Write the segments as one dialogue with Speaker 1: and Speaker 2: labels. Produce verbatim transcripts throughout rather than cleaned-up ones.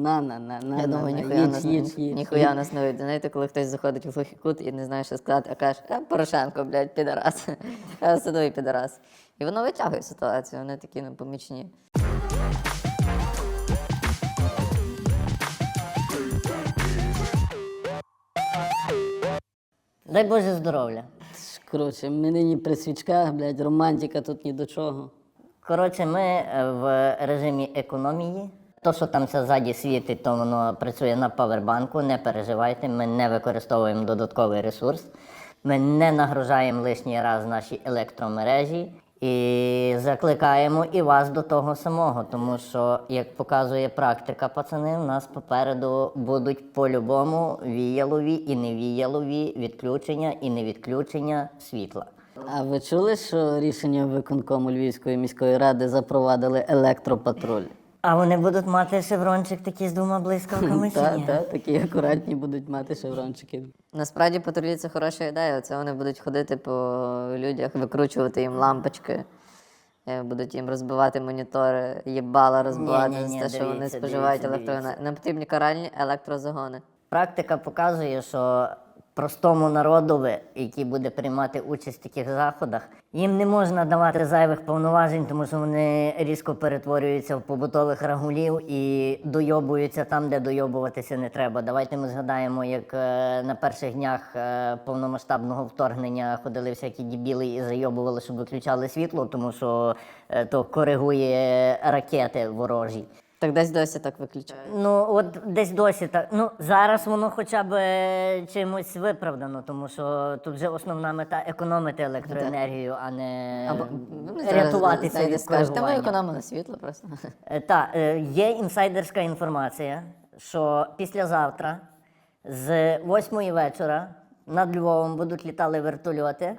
Speaker 1: на, на, на, на,
Speaker 2: Я
Speaker 1: на,
Speaker 2: думаю,
Speaker 1: на,
Speaker 2: ніхуя
Speaker 1: їдь,
Speaker 2: нас,
Speaker 1: їдь, їдь.
Speaker 2: ніхуя нас не вийде. Знаєте, коли хтось заходить в глухий кут і не знає, що сказати, а каже, а Порошенко, блядь, підарас. А садовий підарас. І воно витягує ситуацію, вони такі непомічні.
Speaker 3: Дай Боже здоров'я.
Speaker 1: Коротше, ми нині при свічках, блядь, романтика тут ні до чого.
Speaker 3: Коротше, ми е, в режимі економії. То, що там все ззаді світить, то воно працює на павербанку, не переживайте, ми не використовуємо додатковий ресурс, ми не нагружаємо лишній раз наші електромережі і закликаємо і вас до того самого, тому що, як показує практика, пацани, у нас попереду будуть по-любому віялові і невіялові відключення і невідключення світла.
Speaker 1: А ви чули, що рішення виконкому Львівської міської ради запровадили електропатруль?
Speaker 3: А вони будуть мати шеврончик такий з двома блискавками чи
Speaker 1: Так,
Speaker 3: ні?
Speaker 1: так, такі акуратні будуть мати шеврончики.
Speaker 2: Насправді патрулі це хороша ідея. Це вони будуть ходити по людях, викручувати їм лампочки, е, будуть їм розбивати монітори, їбала розбивати
Speaker 3: Ні-ні-ні,
Speaker 2: за те, що вони
Speaker 3: дивіться,
Speaker 2: споживають
Speaker 3: дивіться,
Speaker 2: електроенергію. Нам потрібні каральні електрозагони.
Speaker 3: Практика показує, що простому народові, який буде приймати участь в таких заходах, їм не можна давати зайвих повноважень, тому що вони різко перетворюються в побутових рагулів і дойобуються там, де дойобуватися не треба. Давайте ми згадаємо, як е, на перших днях е, повномасштабного вторгнення ходили всякі дебіли і зайобували, щоб виключали світло, тому що е, то коригує ракети ворожі.
Speaker 2: Так десь досі так виключають.
Speaker 3: Ну, от десь досі так. Ну, зараз воно хоча б е, чимось виправдано, тому що тут вже основна мета економити електроенергію, а не
Speaker 2: Або
Speaker 3: рятуватися від
Speaker 2: скажуть, та ми
Speaker 3: коригування.
Speaker 2: економили світло просто.
Speaker 3: Так, є інсайдерська інформація, що післязавтра з восьмої вечора над Львовом будуть літали вертольоти,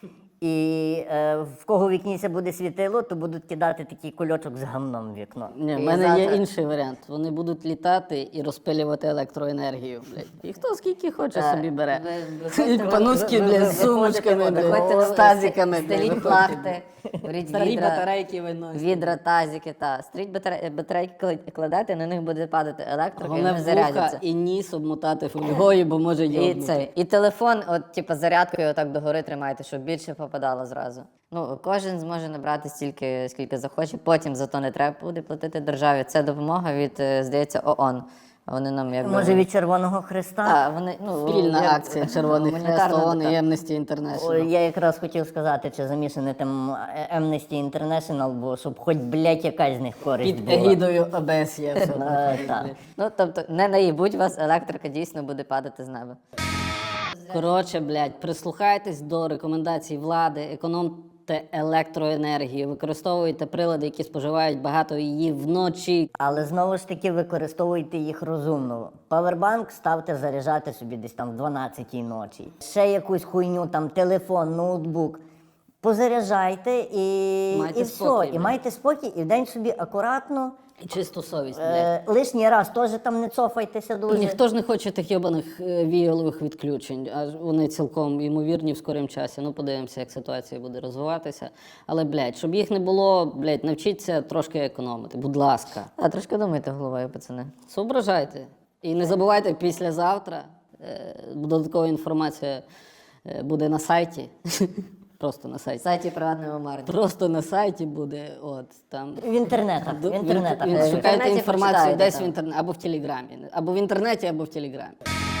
Speaker 3: і е, в кого в вікніся буде світило, то будуть кидати такий кульочок з гамном в вікно.
Speaker 1: Ні, в
Speaker 2: І
Speaker 1: мене є
Speaker 2: завтра-
Speaker 1: інший варіант. Вони будуть літати і розпилювати електроенергію, блядь. І хто скільки хоче собі бере.
Speaker 2: ви-
Speaker 1: І пануськи, блядь, з сумочками,
Speaker 2: Виходьте
Speaker 1: блядь, з тазиками, блядь,
Speaker 2: стеліть
Speaker 1: виходьте.
Speaker 2: плахти, беріть
Speaker 1: Старі
Speaker 2: відра,
Speaker 1: батарейки виносять.
Speaker 2: відра, тазики, та. Стріть батарей- батарейки кла- кладете, на них буде падати електрика, і
Speaker 1: Головне
Speaker 2: вони
Speaker 1: в вуха
Speaker 2: зарядяться.
Speaker 1: і ніс обмотати фольгою, бо може
Speaker 2: І,
Speaker 1: йобнути.
Speaker 2: це, і телефон, от, типу, зарядкою отак догори тримайте, щоб більше попадало зразу. Ну, кожен зможе набрати стільки, скільки захоче, потім за то не треба буде платити державі. Це допомога від, е, здається, ООН. Вони нам якби...
Speaker 3: Може, від Червоного Хреста?
Speaker 2: А, вони, ну,
Speaker 1: Спільна
Speaker 2: як-
Speaker 1: акція Червоний Хрест,
Speaker 2: гуманітарна
Speaker 1: ООН і
Speaker 2: така.
Speaker 1: Amnesty
Speaker 3: О,
Speaker 1: International.
Speaker 3: я якраз хотів сказати, чи замішаний там Amnesty International, бо щоб хоч, блядь, якась з них користь
Speaker 1: Під
Speaker 3: була.
Speaker 1: егідою О Б С є. все.
Speaker 3: Е, так.
Speaker 2: Ну, тобто, не наїбуть вас, електрика дійсно буде падати з неба.
Speaker 1: Коротше, блядь, прислухайтесь до рекомендацій влади, економте електроенергію, використовуйте прилади, які споживають багато її вночі.
Speaker 3: Але знову ж таки використовуйте їх розумно. Павербанк ставте заряджати собі десь там в дванадцятій ночі. Ще якусь хуйню, там телефон, ноутбук. Позаряджайте і,
Speaker 1: Майте
Speaker 3: і все.
Speaker 1: спокій,
Speaker 3: І
Speaker 1: блядь.
Speaker 3: майте спокій, і вдень собі акуратно.
Speaker 1: І чисту совість, блядь.
Speaker 3: Е, лишній раз теж там не цофайтеся
Speaker 1: І
Speaker 3: дуже.
Speaker 1: ніхто ж не хоче тих йобаних е, віялових відключень, а вони цілком ймовірні в скорім часі. Ну, подивимося, як ситуація буде розвиватися. Але, блядь, щоб їх не було, блядь, навчіться трошки економити. Будь ласка.
Speaker 2: А трошки думайте головою, пацани.
Speaker 1: Соображайте. І не забувайте, післязавтра е, додаткова інформація е, буде на сайті. Просто на
Speaker 2: В
Speaker 1: сайті.
Speaker 2: сайті приватного маркетингу.
Speaker 1: Просто на сайті буде, от, там.
Speaker 3: В інтернетах.
Speaker 1: Д-
Speaker 3: В інтернетах.
Speaker 1: Він,
Speaker 2: Е, в
Speaker 1: шукайте
Speaker 2: інтернеті
Speaker 1: інформацію
Speaker 2: почитайте
Speaker 1: десь
Speaker 2: там.
Speaker 1: в інтернеті, або в Телеграмі. Або в інтернеті, або в Телеграмі.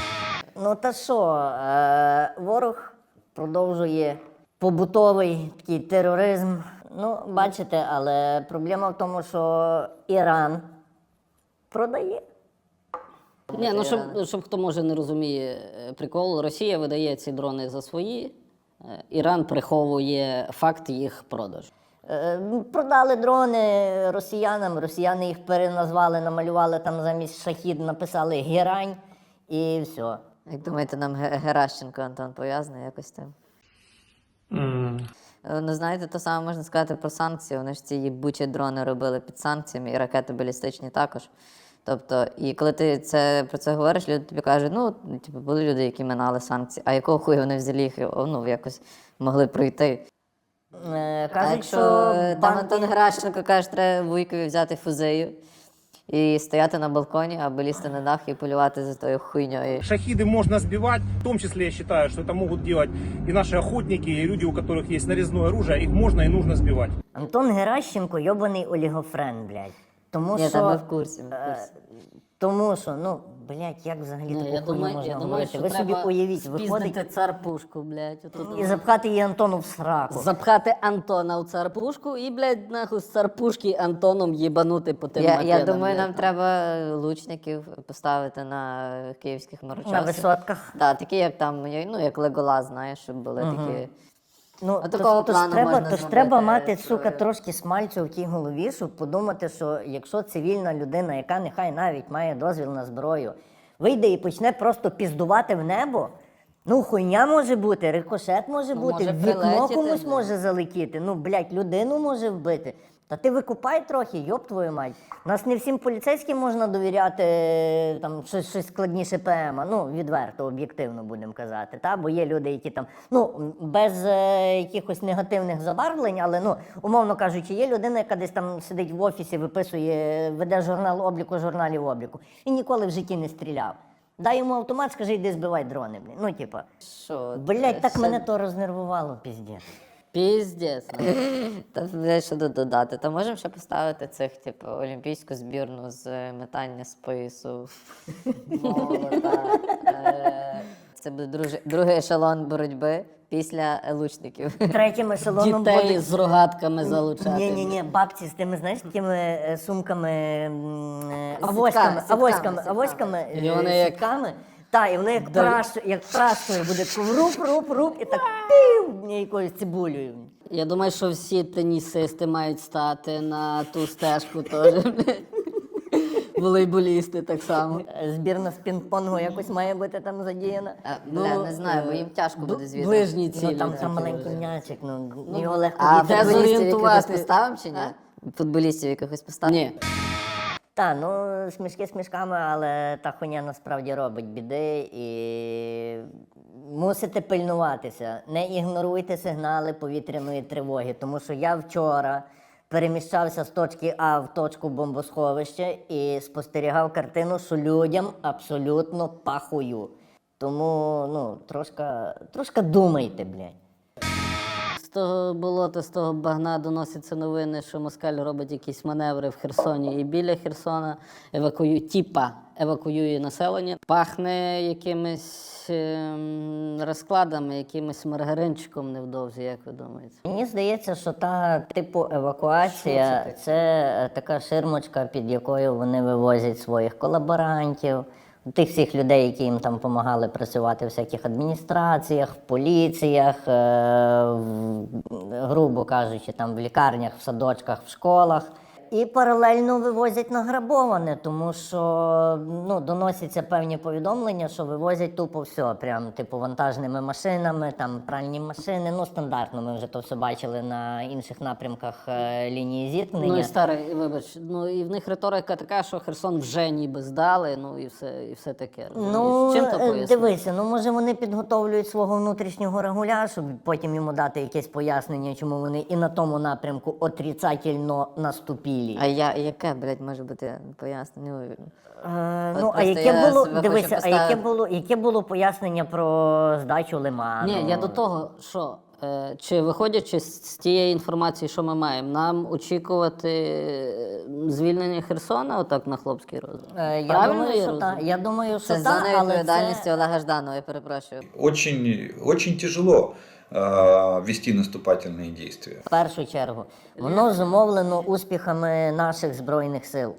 Speaker 3: Ну та що, е, ворог продовжує побутовий такий тероризм. Ну, бачите, але проблема в тому, що Іран продає.
Speaker 1: Ні, ну щоб, щоб хто може не розуміє е, прикол, Росія видає ці дрони за свої, е, Іран приховує факт їх продажу.
Speaker 3: Е, Продали дрони росіянам, росіяни їх переназвали, намалювали там замість шахід, написали герань і все.
Speaker 2: Як думаєте, нам Ге- Геращенко Антон пов'язаний якось з тим? Е, Ну, знаєте, то саме можна сказати про санкції. Вони ж ці їбучі дрони робили під санкціями, і ракети балістичні також. Тобто, і коли ти це, про це говориш, люди тобі кажуть, ну, типу, були люди, які минали санкції, а якого хуя вони взагалі їх, о, ну, якось могли пройти.
Speaker 3: Е,
Speaker 2: А
Speaker 3: Кажуть,
Speaker 2: якщо
Speaker 3: що
Speaker 2: е, там
Speaker 3: банки...
Speaker 2: Антон Геращенко каже, треба вуйкові взяти фузею і стояти на балконі або лізти на дах і полювати за тою хуйньою.
Speaker 4: Шахиды можно сбивать, в том числе я считаю, что это могут делать и наши охотники, и люди, у которых есть нарезное оружие, их можно и нужно сбивать.
Speaker 3: Антон Геращенко йобаний олігофрен, блядь. Тому
Speaker 2: Ні,
Speaker 3: що...
Speaker 2: та ми в курсі, ми в
Speaker 3: е,
Speaker 2: курсі.
Speaker 3: Тому що, ну, блядь, як взагалі
Speaker 1: Ні,
Speaker 3: таку
Speaker 1: я
Speaker 3: хуйню
Speaker 1: думаю,
Speaker 3: можна
Speaker 1: я думаю,
Speaker 3: говорити?
Speaker 1: що
Speaker 3: Ви собі
Speaker 1: треба
Speaker 3: уявіть,
Speaker 1: спіздити
Speaker 3: виходить
Speaker 1: цар-пушку, блядь. отут
Speaker 3: і запхати її Антону в сраку.
Speaker 1: Запхати Антона в цар-пушку і, блядь, нахуй з цар-пушки Антоном їбанути по тим
Speaker 2: Я, я
Speaker 1: макетам,
Speaker 2: думаю,
Speaker 1: блядь.
Speaker 2: нам треба лучників поставити на київських марочосах.
Speaker 3: На висотках.
Speaker 2: Так, такі, як там, ну, як Леголас, знаєш, щоб були такі.
Speaker 3: Ну,
Speaker 2: От
Speaker 3: тож,
Speaker 2: такого
Speaker 3: тож
Speaker 2: плану
Speaker 3: треба,
Speaker 2: можна
Speaker 3: тож
Speaker 2: зробити
Speaker 3: треба мати,
Speaker 2: історію.
Speaker 3: сука, трошки смальцю в тій голові, щоб подумати, що якщо цивільна людина, яка нехай навіть має дозвіл на зброю, вийде і почне просто піздувати в небо, ну хуйня може бути, рикошет може
Speaker 2: Ну,
Speaker 3: бути,
Speaker 2: може
Speaker 3: в вікно
Speaker 2: прилетіти,
Speaker 3: комусь
Speaker 2: блін.
Speaker 3: може залетіти, ну, блядь, людину може вбити. Та ти викупай трохи, йоб твою мать. Нас не всім поліцейським можна довіряти е, там щось, щось складніше ПМа. Ну, відверто, об'єктивно будемо казати. Та? Бо є люди, які там, ну, без е, якихось негативних забарвлень, але, ну, умовно кажучи, є людина, яка десь там сидить в офісі, виписує, веде журнал обліку, журналів обліку. І ніколи в житті не стріляв. Дай йому автомат, скажи, йди збивай дрони, блін. Ну, типа,
Speaker 2: Що?
Speaker 3: блядь, так
Speaker 2: Ще-
Speaker 3: мене то рознервувало, піздець.
Speaker 1: Піздець.
Speaker 2: Та блядь, що тут додати? Та можемо ще поставити цих, типу, олімпійську збірну з метання з поясу. Молота. Е, Це буде друже- другий ешелон боротьби після лучників.
Speaker 3: Третім ешелоном
Speaker 1: Дітей
Speaker 3: буде...
Speaker 1: з рогатками залучати.
Speaker 3: Ні, ні, ні, бабці з тими, знаєш, такими е, сумками, м, е,
Speaker 2: З
Speaker 3: авоськами,
Speaker 2: сітками,
Speaker 3: авоськами,
Speaker 2: сітками.
Speaker 3: авоськами,
Speaker 1: І
Speaker 3: е,
Speaker 1: вони як-
Speaker 3: сітками. Так, і вони як,
Speaker 1: Да.
Speaker 3: праш, як прашкою буде таку руп, руп, руп, і так пів якоюсь цибулею.
Speaker 1: Я думаю, що всі тенісисти мають стати на ту стежку теж. Волейболісти так само.
Speaker 3: Е, Збірна з пінг-понгу якось має бути там задіяна.
Speaker 2: А, Бля, не знаю, бо їм тяжко
Speaker 1: бл-
Speaker 2: буде звідти.
Speaker 1: Ближні цілі.
Speaker 3: Ну там, там
Speaker 1: такі
Speaker 3: маленький
Speaker 1: вже.
Speaker 3: м'ячик, ну, його легко
Speaker 2: А
Speaker 1: де
Speaker 3: відбити.
Speaker 2: футболістів якихось
Speaker 1: зорієнтувати?
Speaker 2: поставимо чи ні? Футболістів якихось поставимо?
Speaker 1: Ні.
Speaker 3: Та, ну смішки смішками, але та хуйня насправді робить біди і мусите пильнуватися. Не ігноруйте сигнали повітряної тривоги, тому що я вчора переміщався з точки А в точку бомбосховища і спостерігав картину, що людям абсолютно пахую. Тому, ну, трошка, трошка думайте, блядь.
Speaker 1: З того болота, з того багна доносяться новини, що Москаль робить якісь маневри в Херсоні і біля Херсона, евакуює, тіпа евакуює населення. Пахне якимись ем, розкладами, якимось маргаринчиком невдовзі, як ви думаєте?
Speaker 3: Мені здається, що та типу евакуація це е, така ширмочка, під якою вони вивозять своїх колаборантів, тих всіх людей, які їм там допомагали працювати в всяких адміністраціях, в поліціях, е, в, грубо кажучи, там в лікарнях, в садочках, в школах. І паралельно вивозять награбоване, тому що ну, доносяться певні повідомлення, що вивозять тупо все, прям типу вантажними машинами, там пральні машини. Ну, стандартно, ми вже то все бачили на інших напрямках е, лінії зіткнення.
Speaker 1: Ну і старий, вибач, ну і в них риторика така, що Херсон вже ніби здали, ну і все, і все таке.
Speaker 3: Ну,
Speaker 1: З чим то
Speaker 3: е,
Speaker 1: пояснити?
Speaker 3: дивися, ну може вони підготовлюють свого внутрішнього регуля, щоб потім йому дати якесь пояснення, чому вони і на тому напрямку отрицательно наступили.
Speaker 2: А я, яке, блядь, може бути пояснення?
Speaker 3: Е,
Speaker 2: От
Speaker 3: ну, а
Speaker 2: просто
Speaker 3: яке
Speaker 2: я
Speaker 3: було,
Speaker 2: себе
Speaker 3: дивися,
Speaker 2: хочу
Speaker 3: а яке
Speaker 2: поставити.
Speaker 3: було, яке було пояснення про здачу лиману?
Speaker 1: Ні, я до того, що е, чи виходячи з, з тієї інформації, що ми маємо, нам очікувати е, звільнення Херсона отак на хлопський розум?
Speaker 3: Е, я
Speaker 1: Правильно
Speaker 3: думаю,
Speaker 1: я
Speaker 3: що
Speaker 1: розумію?
Speaker 3: так. Я думаю, що
Speaker 2: Це
Speaker 3: так,
Speaker 2: зона
Speaker 3: але
Speaker 2: відповідальності
Speaker 3: це...
Speaker 2: Олега Жданова, я перепрошую.
Speaker 5: Очень, очень тяжело э, вести наступательные действия.
Speaker 3: В першу чергу, воно зумовлено успіхами наших Збройних сил.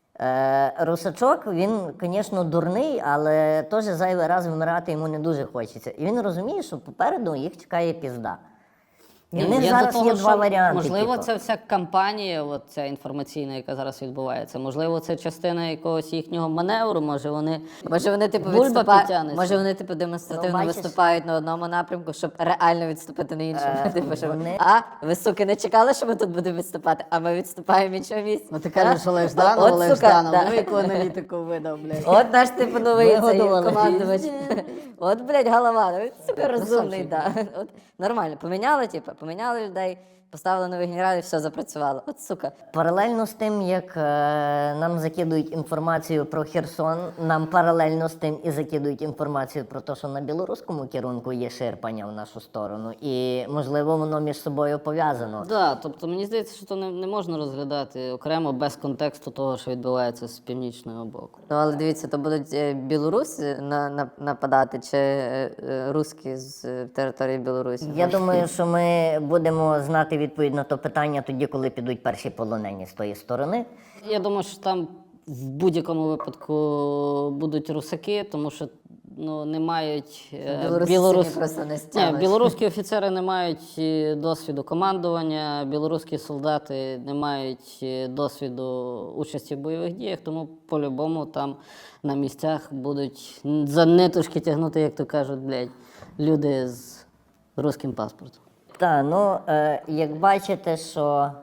Speaker 3: Е, Русачок, він, звісно, дурний, але теж зайвий раз вмирати йому не дуже хочеться. І він розуміє, що попереду їх чекає пізда. І в них
Speaker 1: Я
Speaker 3: зараз
Speaker 1: до того,
Speaker 3: є два
Speaker 1: що,
Speaker 3: варіанти.
Speaker 1: Можливо,
Speaker 3: типу.
Speaker 1: ця вся кампанія, от ця інформаційна, яка зараз відбувається, можливо, це частина якогось їхнього маневру, може вони.
Speaker 2: Може вони типу
Speaker 1: Бульба
Speaker 2: відступають,
Speaker 1: підтягнеться.
Speaker 2: може вони типу демонстративно
Speaker 3: Ну, бачиш-
Speaker 2: виступають на одному напрямку, щоб реально відступити на іншому.
Speaker 3: Е,
Speaker 2: Типу, щоб
Speaker 3: вони-
Speaker 2: а ви суки не чекали, що ми тут будемо відступати, а ми відступаємо в іншому місці.
Speaker 1: Ну ти кажеш,
Speaker 2: А?
Speaker 1: Олег Жданов,
Speaker 2: От,
Speaker 1: Олег
Speaker 2: сука,
Speaker 1: Жданов,
Speaker 2: да.
Speaker 1: ну яку аналітику видав, блядь.
Speaker 2: От наш типу новий цей
Speaker 1: Вигодували.
Speaker 2: командувач. От, блядь, голова, ну він сука розумний,
Speaker 1: Красавчик.
Speaker 2: да. От нормально. Поміняли, типу, поміняли людей. Поставили нових генералів, все запрацювало. От сука.
Speaker 3: Паралельно з тим, як е, нам закидують інформацію про Херсон, нам паралельно з тим і закидують інформацію про те, що на білоруському керунку є ширпання в нашу сторону. І, можливо, воно між собою пов'язано.
Speaker 1: Да, тобто мені здається, що то не, не можна розглядати окремо без контексту того, що відбувається з північного боку.
Speaker 2: Ну, але дивіться, то будуть е, білоруси на, на, нападати чи е, е, русські з е, території Білорусі?
Speaker 3: Я думаю, що ми будемо знати відповідь на то питання тоді, коли підуть перші полонені з тої сторони.
Speaker 1: Я думаю, що там в будь-якому випадку будуть русаки, тому що ну, не мають е,
Speaker 2: Білоруси
Speaker 1: білорус-
Speaker 2: самі просто не
Speaker 1: Ні,
Speaker 2: стягнуть.
Speaker 1: білоруські офіцери не мають е, досвіду командування, білоруські солдати не мають е, досвіду участі в бойових діях, тому по-любому там на місцях будуть за ниточки тягнути, як то кажуть, блядь, люди з руським паспортом.
Speaker 3: Так, ну, е, як бачите, що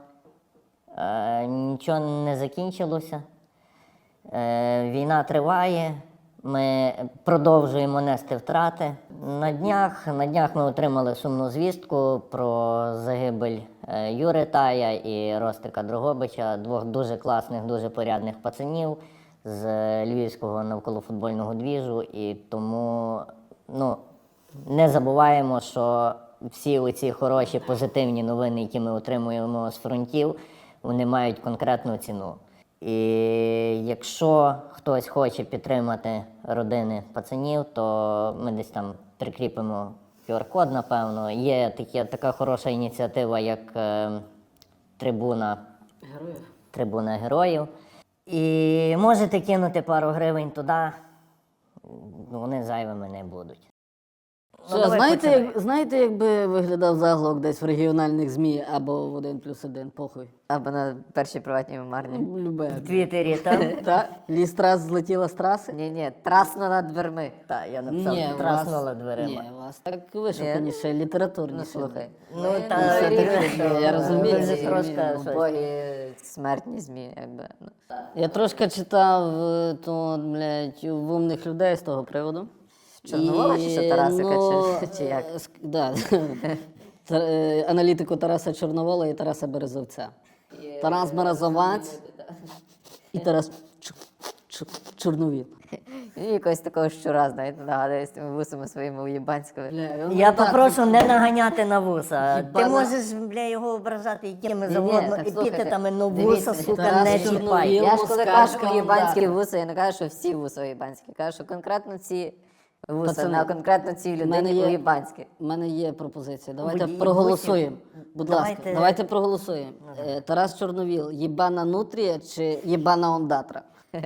Speaker 3: е, нічого не закінчилося, е, війна триває, ми продовжуємо нести втрати. На днях, на днях ми отримали сумну звістку про загибель е, Юри Тая і Ростика Дрогобича, двох дуже класних, дуже порядних пацанів з львівського навколофутбольного двіжу. І тому, ну, не забуваємо, що всі оці хороші, позитивні новини, які ми отримуємо з фронтів, вони мають конкретну ціну. І якщо хтось хоче підтримати родини пацанів, то ми десь там прикріпимо ку ар-код, напевно. Є такі, така хороша ініціатива, як е, трибуна, трибуна героїв. І можете кинути пару гривень туди, вони зайвими не будуть. Ну,
Speaker 1: Що,
Speaker 3: давай
Speaker 1: знаєте,
Speaker 3: починай.
Speaker 1: як, знаєте, як би виглядав заголовок десь в регіональних ЗМІ або в один плюс один, похуй?
Speaker 2: Або на першій приватній мемарні.
Speaker 1: Любе.
Speaker 3: В Твіттері там.
Speaker 1: Та, лістрас злетіла з траси?
Speaker 2: Ні-ні, трасно над дверми.
Speaker 3: Так, я написав,
Speaker 1: Ні, у
Speaker 3: траснула
Speaker 1: вас-
Speaker 3: дверима.
Speaker 1: Ні, у вас так вишуканіше, літературніше.
Speaker 2: Ну, слухай.
Speaker 3: Ну,
Speaker 2: Ми
Speaker 3: та,
Speaker 2: не
Speaker 3: ти
Speaker 2: вирішили,
Speaker 3: ж,
Speaker 2: що
Speaker 1: я розумію,
Speaker 2: ви
Speaker 1: це
Speaker 2: ж
Speaker 3: трошки
Speaker 2: трошки
Speaker 3: щось.
Speaker 2: убогі смертні змі, якби. ну.
Speaker 1: Я трошки читав е, то, блядь, в умних людей з того приводу.
Speaker 2: Чорновола чи що, Тарасика, чи- чи як?
Speaker 1: е, ск- Да. Та- е, Аналітику Тараса Чорновола і Тараса Березовця. Тарас Березовець і Тарас Ч- Ч- Чорновіл.
Speaker 2: І якогось такого щура, знаєте, нагадує з тими вусами своїми уєбанськими.
Speaker 3: Я попрошу не наганяти на вуса.
Speaker 1: Хіба
Speaker 3: Ти
Speaker 1: на-
Speaker 3: можеш, бля, його ображати якими
Speaker 2: Ні-ні,
Speaker 3: завгодно,
Speaker 2: так, слухайте,
Speaker 3: епітетами, но вуса,
Speaker 2: дивіться,
Speaker 3: сука,
Speaker 1: Тарас
Speaker 3: не
Speaker 1: Чорновіл.
Speaker 3: чіпай.
Speaker 2: Я ж коли
Speaker 1: Москальська
Speaker 2: кажу уєбанські
Speaker 1: удар.
Speaker 2: вуса, я не кажу, що всі вуса уєбанські. Кажу, що конкретно ці вуса,
Speaker 1: Пацани,
Speaker 2: на конкретно цій
Speaker 1: мене
Speaker 2: людині
Speaker 1: є-
Speaker 2: уєбанські.
Speaker 1: У мене є пропозиція. Давайте
Speaker 3: Водії
Speaker 1: проголосуємо.
Speaker 3: бусів.
Speaker 1: Будь ласка,
Speaker 3: Давайте-
Speaker 1: давайте проголосуємо. Е, Тарас Чорновіл, єбана нутрія чи єбана ондатра?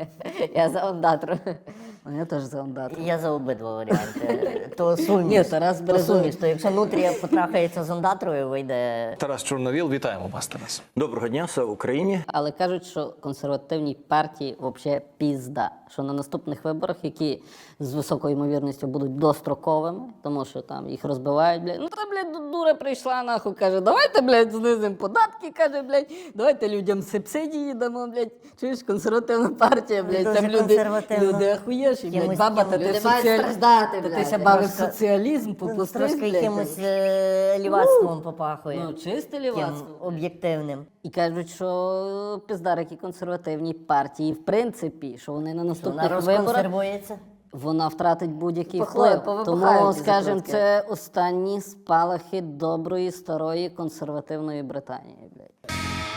Speaker 2: Я за ондатру.
Speaker 1: Ну, я теж за ондатру.
Speaker 3: Я за обидва варіанти. То суміш.
Speaker 1: Ні, Тарас
Speaker 3: то
Speaker 1: Березовець.
Speaker 3: суміш. То якщо нутрія потрахається з ондатрою, вийде.
Speaker 6: Тарас Чорновіл, вітаємо вас, Тарас.
Speaker 7: Доброго дня, слава Україні.
Speaker 1: Але кажуть, що консервативній партії взагалі пізда. Що на наступних виборах, які з високою ймовірністю будуть достроковими, тому що там їх розбивають, блядь. Ну та, блядь, дура прийшла, нахуй, каже, давайте, блядь, знизимо податки, каже, блядь, давайте людям субсидії дамо, блядь. Чуєш, консервативна партія, блядь,
Speaker 3: Дуже
Speaker 1: там люди,
Speaker 3: консервативно.
Speaker 1: люди ахуєші, блядь,
Speaker 3: Кимось-
Speaker 1: баба, та ти
Speaker 2: Люди мають
Speaker 1: соціаль...
Speaker 2: страждати,
Speaker 1: та ти
Speaker 2: блядь.
Speaker 1: ще бавив
Speaker 3: Трошки-
Speaker 1: соціалізм, попустив,
Speaker 3: Трошки
Speaker 1: блядь.
Speaker 3: якимось е, лівацтвом попахує.
Speaker 1: Ну, чисте
Speaker 3: Таким
Speaker 1: лівацтво.
Speaker 3: об'єктивним.
Speaker 1: І кажуть, що піздарики консервативній партії, в принципі, що вони на
Speaker 3: Вона
Speaker 1: наступних виборах
Speaker 3: розконсервується.
Speaker 1: вона втратить будь-який
Speaker 2: Похлоє,
Speaker 1: вплив.
Speaker 2: повибухають
Speaker 1: Тому,
Speaker 2: ці
Speaker 1: скажімо,
Speaker 2: закрутки.
Speaker 1: це останні спалахи доброї, старої консервативної Британії. Блядь.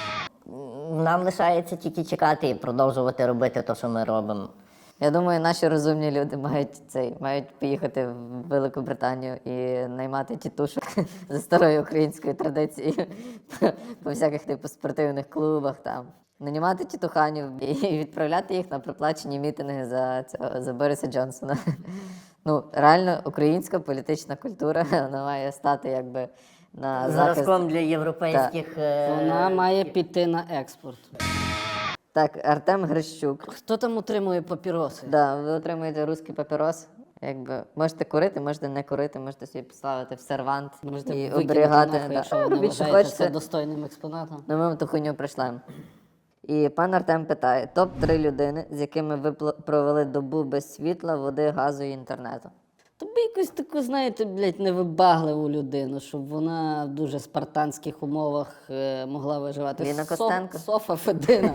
Speaker 3: Нам лишається тільки чекати і продовжувати робити те, що ми робимо.
Speaker 2: Я думаю, наші розумні люди мають цей, мають поїхати в Велику Британію і наймати тітушок за старою українською традицією по всяких типу спортивних клубах там. Нанімати тітуханів і відправляти їх на проплачені мітинги за цього за Бориса Джонсона. Ну, реально, українська політична культура вона має стати якби на захист.
Speaker 3: Зразком для європейських. е,
Speaker 1: Вона має піти на експорт.
Speaker 2: Так, Артем Грищук.
Speaker 1: Хто там утримує папіроси?
Speaker 2: Да, ви отримуєте русський папірос. Якби можете курити, можете не курити, можете собі поставити в сервант
Speaker 1: Можете
Speaker 2: і
Speaker 1: викинути
Speaker 2: оберігати.
Speaker 1: нахуй,
Speaker 2: Да.
Speaker 1: якщо ви не
Speaker 2: Робіть, що
Speaker 1: вважаєте це
Speaker 2: хочете.
Speaker 1: достойним експонатом.
Speaker 2: Ну, ми вам ту хуйню прийшлемо. І пан Артем питає: топ три людини, з якими ви пл- провели добу без світла, води, газу і інтернету.
Speaker 1: Тобі якусь таку, знаєте, блядь, невибагливу людину, щоб вона в дуже спартанських умовах е, могла виживати.
Speaker 2: Ліна
Speaker 1: Соф-
Speaker 2: Костенко.
Speaker 1: Софа Федина.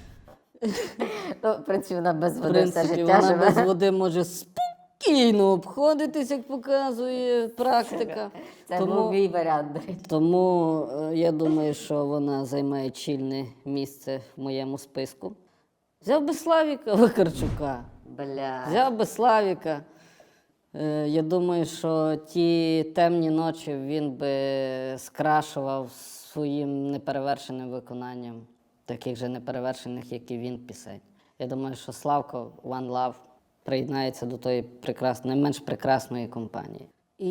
Speaker 2: Ну, в принципі, вона без
Speaker 1: В
Speaker 2: води все
Speaker 1: принципі,
Speaker 2: життя
Speaker 1: вона
Speaker 2: живе.
Speaker 1: без води може спокійно обходитись, як показує практика.
Speaker 2: Це
Speaker 1: Тому-
Speaker 2: був мій варіант, до речі.
Speaker 1: Тому е, я думаю, що вона займає чільне місце в моєму списку. Взяв би Славіка Вакарчука.
Speaker 2: Бля.
Speaker 1: Взяв би Славіка. Е, Я думаю, що ті темні ночі він би скрашував своїм неперевершеним виконанням, таких же неперевершених, як і він, пісень. Я думаю, що Славко One Love приєднається до тої прекрасної, не менш прекрасної компанії.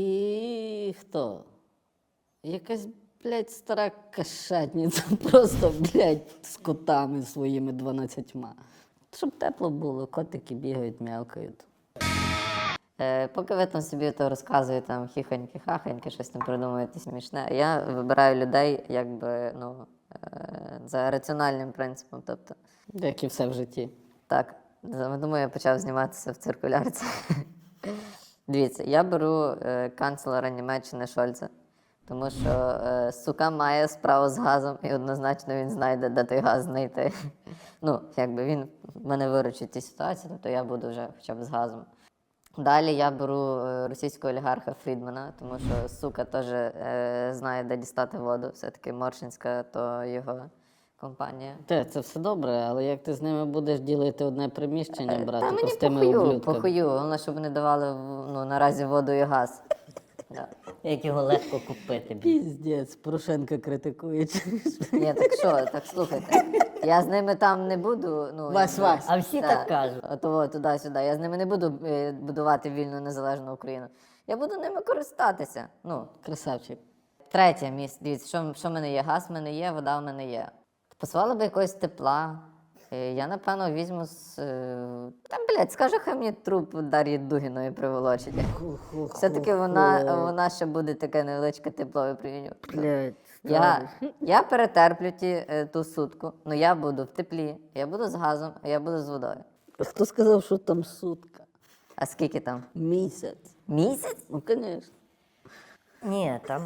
Speaker 1: І хто? Якась, блядь, стара кашатниця, просто, блядь, з котами своїми дванадцятьма. Щоб тепло було, котики бігають, м'явкають.
Speaker 2: Е, поки ви там собі то розказуєте, там хіхоньки-хахоньки, щось там придумуєте смішне, я вибираю людей якби, ну, е, за раціональним принципом. Тобто,
Speaker 1: Як і все в житті.
Speaker 2: так, за- тому я почав зніматися в циркулярці. Дивіться, я беру е, канцлера Німеччини Шольца, тому що е, сука має справу з газом, і однозначно він знайде, де той газ знайти. Ну, якби він мене виручить в цій ситуації, тобто я буду вже хоча б з газом. Далі я беру е, російського олігарха Фрідмана, тому що сука теж е, знає, де дістати воду. Все-таки Моршинська, то його компанія.
Speaker 1: Те, це все добре, але як ти з ними будеш ділити одне приміщення,
Speaker 2: Та
Speaker 1: брати
Speaker 2: мені
Speaker 1: простими
Speaker 2: похую,
Speaker 1: ублюдками?
Speaker 2: похую. Головне, щоб не давали в- ну, наразі воду і газ. Да.
Speaker 3: Як його легко купити.
Speaker 1: Піздець, Порошенка критикує.
Speaker 2: Ні, так що, так слухайте. Я з ними там не буду. Ну,
Speaker 1: Вась,
Speaker 2: якби-
Speaker 1: Вась.
Speaker 3: А всі так кажуть.
Speaker 2: Ото туди-сюди. Я з ними не буду е, будувати вільну незалежну Україну. Я буду ними користатися. Ну,
Speaker 1: Красавчик.
Speaker 2: третє місце. Дивіться, що, що в мене є? Газ в мене є, вода в мене є. Посилала би якогось тепла. Е, Я, напевно, візьму з. е, Та, блядь, скажу, хай мені труп Дар'ї Дугіної приволочить. Все-таки вона, вона ще буде таке невеличке тепло випромінювати.
Speaker 1: Блядь.
Speaker 2: Я, я перетерплю ті, е, ту сутку, але я буду в теплі, я буду з газом, а я буду з водою.
Speaker 1: Хто сказав, що там сутка?
Speaker 2: А скільки там?
Speaker 1: Місяць.
Speaker 2: Місяць?
Speaker 1: Ну, звісно.
Speaker 3: Ні, там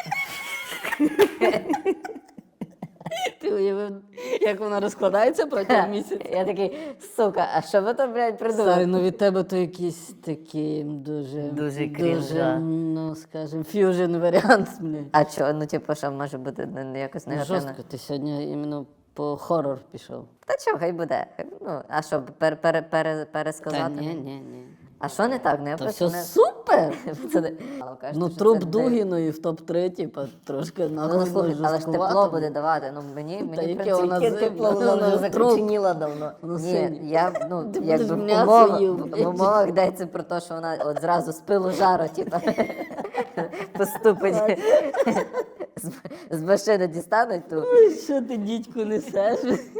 Speaker 1: Ти уявив, як вона розкладається протягом місяця?
Speaker 2: Я такий, сука, а що ви там, блядь, придумали?
Speaker 1: Старий, ну від тебе то якийсь такий дуже,
Speaker 3: Дуже
Speaker 1: дуже,
Speaker 3: крінжа.
Speaker 1: ну, скажімо, ф'южн варіант, блядь.
Speaker 2: А що, ну типу, що може бути не- не якось
Speaker 1: Ну,
Speaker 2: негативно?
Speaker 1: жорстко, ти сьогодні іменно по хорор пішов.
Speaker 2: Та що, хай буде. Ну, а що, пер, пер, пер,
Speaker 1: Та
Speaker 2: пересказати?
Speaker 1: ні, ні, ні.
Speaker 2: А що не так? Ну, я
Speaker 1: Та
Speaker 2: просто
Speaker 1: все
Speaker 2: не...
Speaker 1: супер!
Speaker 2: Пацани, кажете,
Speaker 1: Ну,
Speaker 2: що
Speaker 1: труп
Speaker 2: це не-
Speaker 1: Дугіної в топ-три, типа, трошки
Speaker 2: Ну,
Speaker 1: нахуй.
Speaker 2: ну слухай, але ж
Speaker 1: жорсткувато.
Speaker 2: тепло буде давати. Ну, мені,
Speaker 1: Та
Speaker 2: мені в
Speaker 1: яке
Speaker 2: принципі,
Speaker 1: вона
Speaker 3: яке
Speaker 1: з-
Speaker 3: тепло,
Speaker 1: вона
Speaker 3: вона
Speaker 1: вже
Speaker 3: вже
Speaker 1: труп.
Speaker 3: закоченіла давно.
Speaker 1: Воно
Speaker 2: Ні,
Speaker 1: синє.
Speaker 2: я, ну,
Speaker 1: Ти
Speaker 2: якби
Speaker 1: будеш
Speaker 2: в
Speaker 1: м'ясо
Speaker 2: умовах,
Speaker 1: їв,
Speaker 2: в
Speaker 1: блядь.
Speaker 2: умовах йдеться про те, що вона от зразу з пилу жару, типу, поступить. З, з машини дістануть ту.
Speaker 1: Ой, що ти, дідьку, несеш?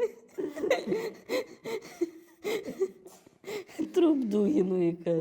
Speaker 1: Труп Дугіної, каже.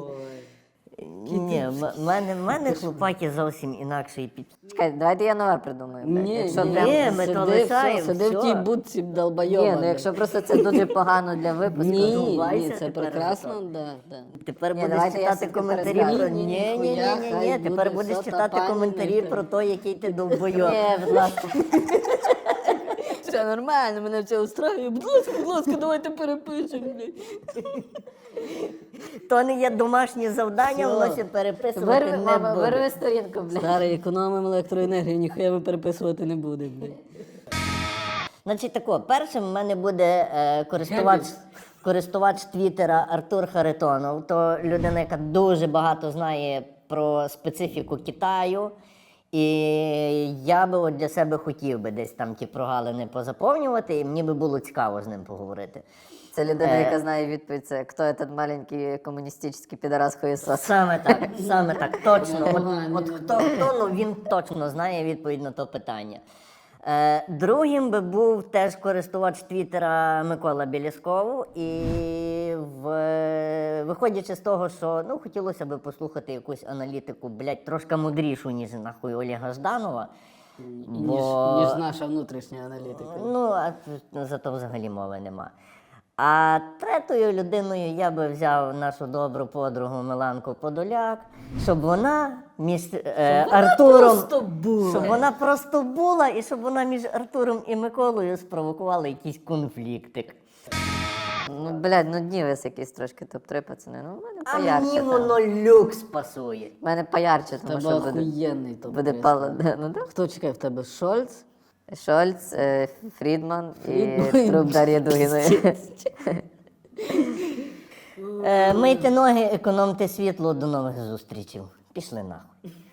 Speaker 3: Ні, в мене, в мене хлопаки зовсім інакший під.
Speaker 2: Чекай, давайте я нове придумаю. блядь.
Speaker 1: Ні,
Speaker 2: якщо
Speaker 1: ні,
Speaker 2: прям...
Speaker 3: Ні, ми
Speaker 1: сиди,
Speaker 3: то
Speaker 1: все,
Speaker 3: лишаємо,
Speaker 1: сиди в
Speaker 3: все.
Speaker 1: тій будці долбойоба.
Speaker 2: Ні, ну якщо просто це дуже погано для випуску.
Speaker 1: Ні,
Speaker 3: Здувайся
Speaker 1: ні, це
Speaker 3: тепер
Speaker 1: прекрасно,
Speaker 3: зато.
Speaker 1: да, да.
Speaker 3: Тепер
Speaker 2: Ні,
Speaker 3: будеш
Speaker 2: давайте я
Speaker 3: читати
Speaker 2: все-таки
Speaker 3: коментарі
Speaker 2: перескажу.
Speaker 3: про
Speaker 1: Ні,
Speaker 3: ні,
Speaker 1: ні,
Speaker 3: ні, ні,
Speaker 1: ніхуя,
Speaker 3: ні,
Speaker 1: хай
Speaker 3: ні.
Speaker 1: буде
Speaker 3: Тепер
Speaker 1: все,
Speaker 3: будеш
Speaker 1: та
Speaker 3: читати
Speaker 1: пані
Speaker 3: коментарі
Speaker 1: не
Speaker 3: про те, який ти довбойоб.
Speaker 2: Ні, будь ласка.
Speaker 1: Все нормально, мене все устраює. Будь ласка, будь ласка, давайте перепишемо. блядь.
Speaker 3: То не є домашнє завдання,
Speaker 1: Все.
Speaker 3: воно ще переписувати
Speaker 2: Вирви,
Speaker 3: не
Speaker 2: мама,
Speaker 3: буде.
Speaker 2: вирви сторінку, блядь.
Speaker 1: Старий, економимо електроенергію, ніхуя ми переписувати не будемо. блядь.
Speaker 3: Значить тако, першим в мене буде е, користувач, користувач Твіттера Артур Харитонов. То людина, яка дуже багато знає про специфіку Китаю. І я би от для себе хотів би десь там ті прогалини позаповнювати, і мені би було цікаво з ним поговорити.
Speaker 2: Це людина,
Speaker 3: Е.
Speaker 2: яка знає відповідь, це хто этот маленький комуністичний підарас хуєсос.
Speaker 3: Саме так, саме так, точно. От, от хто хто, ну він точно знає відповідь на то питання. Е, другим би був теж користувач Твіттера Микола Білісков. І в, виходячи з того, що ну, хотілося б послухати якусь аналітику, блядь, трошки мудрішу, ніж нахуй Олега Жданова.
Speaker 1: Ніж, ніж наша внутрішня аналітика.
Speaker 3: Ну, а тут зато взагалі мови нема. А третьою людиною я би взяв нашу добру подругу Миланку Подоляк, щоб вона між е, Артуром,
Speaker 1: просто була.
Speaker 3: щоб вона просто була, і щоб вона між Артуром і Миколою спровокувала якийсь конфліктик.
Speaker 2: Ну, блядь, ну днівець якийсь трошки топ-три, пацани. Ну, в мене
Speaker 3: А
Speaker 2: поярче.
Speaker 3: мені
Speaker 2: там.
Speaker 3: воно люкс пасує.
Speaker 2: В мене поярче,
Speaker 1: В
Speaker 2: тому
Speaker 1: тебе
Speaker 2: що буде,
Speaker 1: охуєнний топ.
Speaker 2: буде пало. Ну, да.
Speaker 1: Хто чекає в тебе? Шольц?
Speaker 2: Шольц, е, Фрідман і
Speaker 1: Фрідман.
Speaker 2: труп Дар'ї Дугіної.
Speaker 3: Е, мийте ноги, економте світло, до нових зустрічей. Пішли нахуй.